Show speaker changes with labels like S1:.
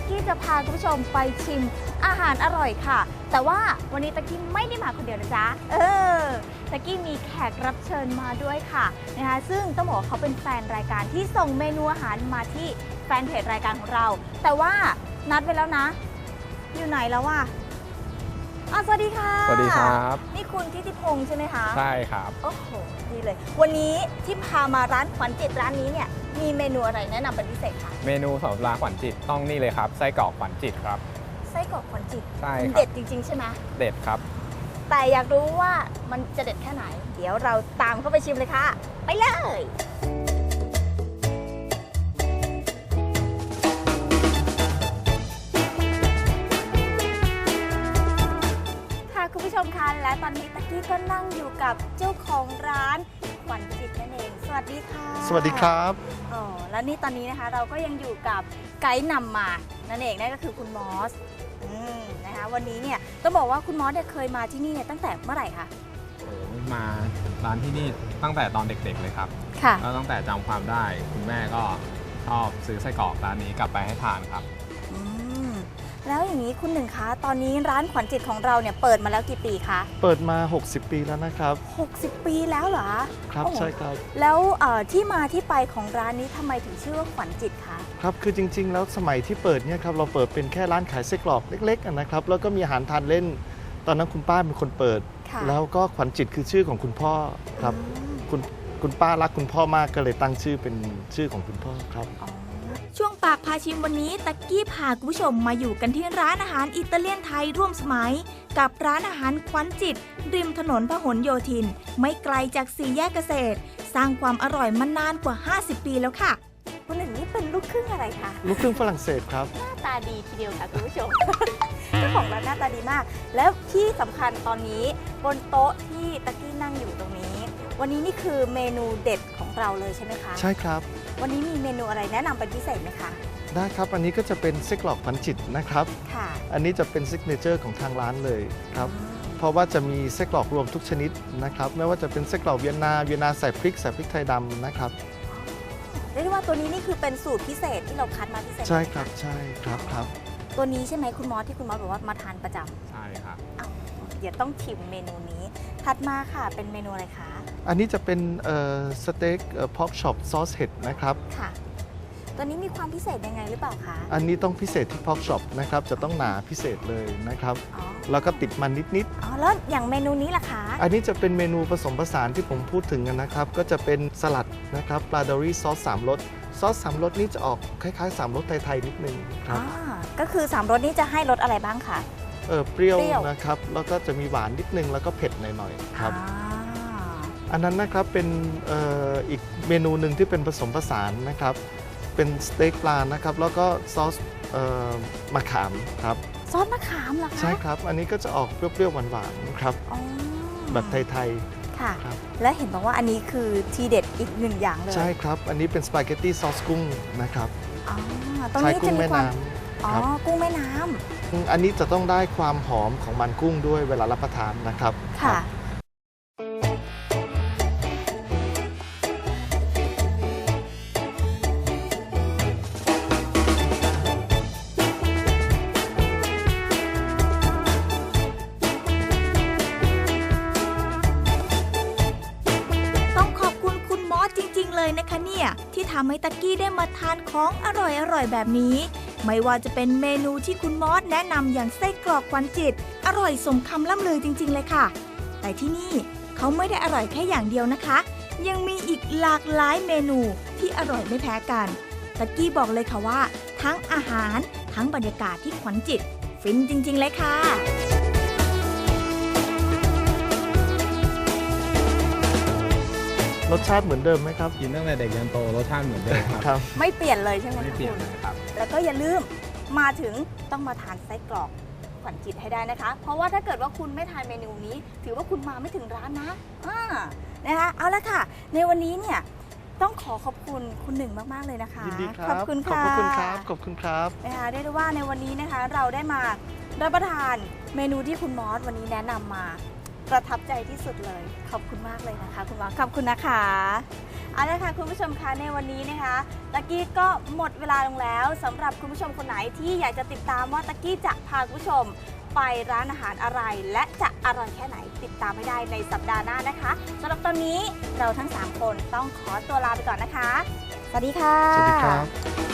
S1: กี้จะพาคุณผู้ชมไปชิมอาหารอร่อยค่ะ แต่ว่าวันนี้ตะกี้ไม่ได้มาคนเดียวนะจ๊ะตะกี้มีแขกรับเชิญมาด้วยค่ะนะคะซึ่งต้องบอกว่าเขาเป็นแฟนรายการที่ส่งเมนูอาหารมาที่แฟนเพจรายการของเราแต่ว่านัดไว้แล้วนะอยู่ไหนแล้ววะสวัสดีค่ะ
S2: สวัสดีครับ
S1: นี่คุณทิติพงษ์ใช่ไหมคะ
S2: ใช่ครับ
S1: โอ้โหดีเลยวันนี้ที่พามาร้านขวัญจิตร้านนี้เนี่ยมีเมนูอะไรแนะนำเป็นพิเศษคะ
S2: เมนูสำหรับร้านขวัญจิตต้องนี่เลยครับไส้กรอกขวัญจิตครับ
S1: ไส้กรอกขวัญจิต
S2: ใช่ครับ
S1: เด็ดจริงๆใช่ไหม
S2: เด็ดครับ
S1: แต่อยากรู้ว่ามันจะเด็ดแค่ไหนเดี๋ยวเราตามเข้าไปชิมเลยค่ะไปเลยคุณผู้ชมคะและตอนนี้ตะกี้ก็นั่งอยู่กับเจ้าของร้านขวัญจิตนั่นเองสวัสดีค่ะ
S3: สวัสดีครับ
S1: และนี่ตอนนี้นะคะเราก็ยังอยู่กับไกด์นำมานั่นเองนั่นก็คือคุณมอสนะคะวันนี้เนี่ยต้องบอกว่าคุณมอสเคยมาที่นี่เนี่ยตั้งแต่เมื่อไหร่คะ
S2: มาร้านที่นี่ตั้งแต่ตอนเด็กๆเลยครับ
S1: ค่ะ
S2: แล้วตั้งแต่จำความได้คุณแม่ก็ชอบซื้อไส้กรอกร้านนี้กลับไปให้ทานครับ
S1: แล้วอย่างนี้คุณหนึ่งคะตอนนี้ร้านขวัญจิตของเราเนี่ยเปิดมาแล้วกี่ปีคะ
S3: เปิดมา60 ปีแล้วนะครับ
S1: 60 ปีแล้วเหรอ
S3: ครับใช่ครับ
S1: แล้วที่มาที่ไปของร้านนี้ทำไมถึงชื่อว่าขวัญจิตคะ
S3: ครับคือจริงๆแล้วสมัยที่เปิดเนี่ยครับเราเปิดเป็นแค่ร้านขายไส้กรอกเล็กๆนะครับแล้วก็มีอาหารทานเล่นตอนนั้นคุณป้าเป็นคนเปิดแล้วก็ขวัญจิตคือชื่อของคุณพ่อครับคุณป้ารักคุณพ่อมากก็เลยตั้งชื่อเป็นชื่อของคุณพ่อครับ
S1: ช่วงปากพาชิมวันนี้ตะกี้พาคุณผู้ชมมาอยู่กันที่ร้านอาหารอิตาเลียนไทยร่วมสมัยกับร้านอาหารขวัญจิตริมถนนพหลโยธินไม่ไกลจากสี่แยกเกษตรสร้างความอร่อยมานานกว่า50 ปีแล้วค่ะคุณหนึ่งนี่เป็นลูกครึ่งอะไรคะ
S3: ลูกครึ่งฝรั่งเศสครับ
S1: หน้าตาดีทีเดียวค่ะคุณผู้ชม เจ้าของร้านหน้าตาดีมากแล้วที่สำคัญตอนนี้บนโต๊ะที่ตะกี้นั่งอยู่ตรงนี้วันนี้นี่คือเมนูเด็ดของเราเลยใช่ไหมคะ
S3: ใช่ครับ
S1: วันนี้มีเมนูอะไรแนะนำเป็นพิเศษไหมคะ
S3: ได้ครับอันนี้ก็จะเป็นไส้กรอกขวัญจิตนะครับ
S1: ค่ะ
S3: อันนี้จะเป็นซิกเนเจอร์ของทางร้านเลยครับเพราะว่าจะมีไส้กรอกรวมทุกชนิดนะครับไม่ว่าจะเป็นไส้กรอกเวียนนาใส่พริกไทยดำนะครับ
S1: เรียกได้ว่าตัวนี้นี่คือเป็นสูตรพิเศษที่เราคัดมาพิเศษ
S3: ใช่ครับใช่ครับ
S1: ตัวนี้ใช่ไหมคุณมอสที่คุณมอสบอกว่ามาทานประจ
S2: ำใช่ครับ
S1: เดี๋ยวต้องชิมเมนูนี้ถัดมาค่ะเป็นเมนูอะไรคะ
S3: อันนี้จะเป็นสเต็กพอกช็อปซอสเห็ดนะครับ
S1: ค่ะตัวนี้มีความพิเศษยังไงหรือเปล่าคะ
S3: อันนี้ต้องพิเศษที่พอกช็อปนะครับจะต้องหนาพิเศษเลยนะครับแล้วก็ติดมันนิด
S1: แล้วอย่างเมนูนี้ล่ะคะ
S3: อันนี้จะเป็นเมนูผสมผสานที่ผมพูดถึงกันนะครับก็จะเป็นสลัดนะครับปลาดอรี่ซอส3รสซอส3รสนี้จะออกคล้ายๆ3รสไทยๆนิดนึงครับ
S1: ก็คือ3รสนี้จะให้รสอะไรบ้างคะ
S3: เปรี้ยวนะครับแล้วก็จะมีหวานนิดนึงแล้วก็เผ็ดหน่อยๆครับอันนั้นนะครับเป็นอีกเมนูหนึ่งที่เป็นผสมผสานนะครับเป็นสเต็กปลานะครับแล้วก็ซอสมะขามครับ
S1: ซอสมะขามเหรอคะ
S3: ใช่ครับอันนี้ก็จะออกเปรี้ยวๆหวานๆครับแบบไทย
S1: ๆค่ะและเห็นบอกว่าอันนี้คือทีเด็ดอีกหนึ่งอย่างเลย
S3: ใช่ครับอันนี้เป็นสปาเกตตี้ซอสกุ้งนะครับ
S1: ตรงนี้จะมีความกุ้งแม่น้
S3: ำอันนี้จะต้องได้ความหอมของมันกุ้งด้วยเวลารับประทานนะครับ
S1: ค่ะเลยนะคะเนี่ยที่ทำให้ตะกี้ได้มาทานของอร่อยแบบนี้ไม่ว่าจะเป็นเมนูที่คุณมอสแนะนำอย่างไส้กรอกขวัญจิตอร่อยสมคำล่ำลือจริงๆเลยค่ะแต่ที่นี่เขาไม่ได้อร่อยแค่อย่างเดียวนะคะยังมีอีกหลากหลายเมนูที่อร่อยไม่แพ้กันตะกี้บอกเลยค่ะว่าทั้งอาหารทั้งบรรยากาศที่ขวัญจิตฟินจริงๆเลยค่ะ
S3: รสชาติเหมือนเดิมไหมครับ
S2: กินตั้งแต่เด็กยันโตรสชาติเหมือนเดิมครับ
S1: ไม่เปลี่ยนเลยใช่ไหม
S2: ไม่เปลี่ยนเลยครับ
S1: แล้วก็อย่าลืมมาถึงต้องมาทานไส้กรอกขวัญจิตให้ได้นะคะเพราะว่าถ้าเกิดว่าคุณไม่ทานเมนูนี้ถือว่าคุณมาไม่ถึงร้านนะนะคะเอาละค่ะในวันนี้เนี่ยต้องขอบคุณคุณหนึ่งมากๆเลยนะคะ
S3: ยินดีครับ
S1: ขอบคุณค่ะ
S3: ขอบคุณครับขอบคุณครับ
S1: นะคะได้รู้ว่าในวันนี้นะคะเราได้มารับประทานเมนูที่คุณมอสวันนี้แนะนำมาประทับใจที่สุดเลยขอบคุณมากเลยนะคะคุณมอสขอบคุณนะคะเอาละค่ะคุณผู้ชมคะในวันนี้นะคะตะกี้ก็หมดเวลาลงแล้วสำหรับคุณผู้ชมคนไหนที่อยากจะติดตามว่าตะกี้จะพาคุณผู้ชมไปร้านอาหารอะไรและจะอร่อยแค่ไหนติดตามไม่ได้ในสัปดาห์หน้านะคะสำหรับตอนนี้เราทั้ง3คนต้องขอตัวลาไปก่อนนะคะสวัสดีค่ะ
S3: สวัสดีครับ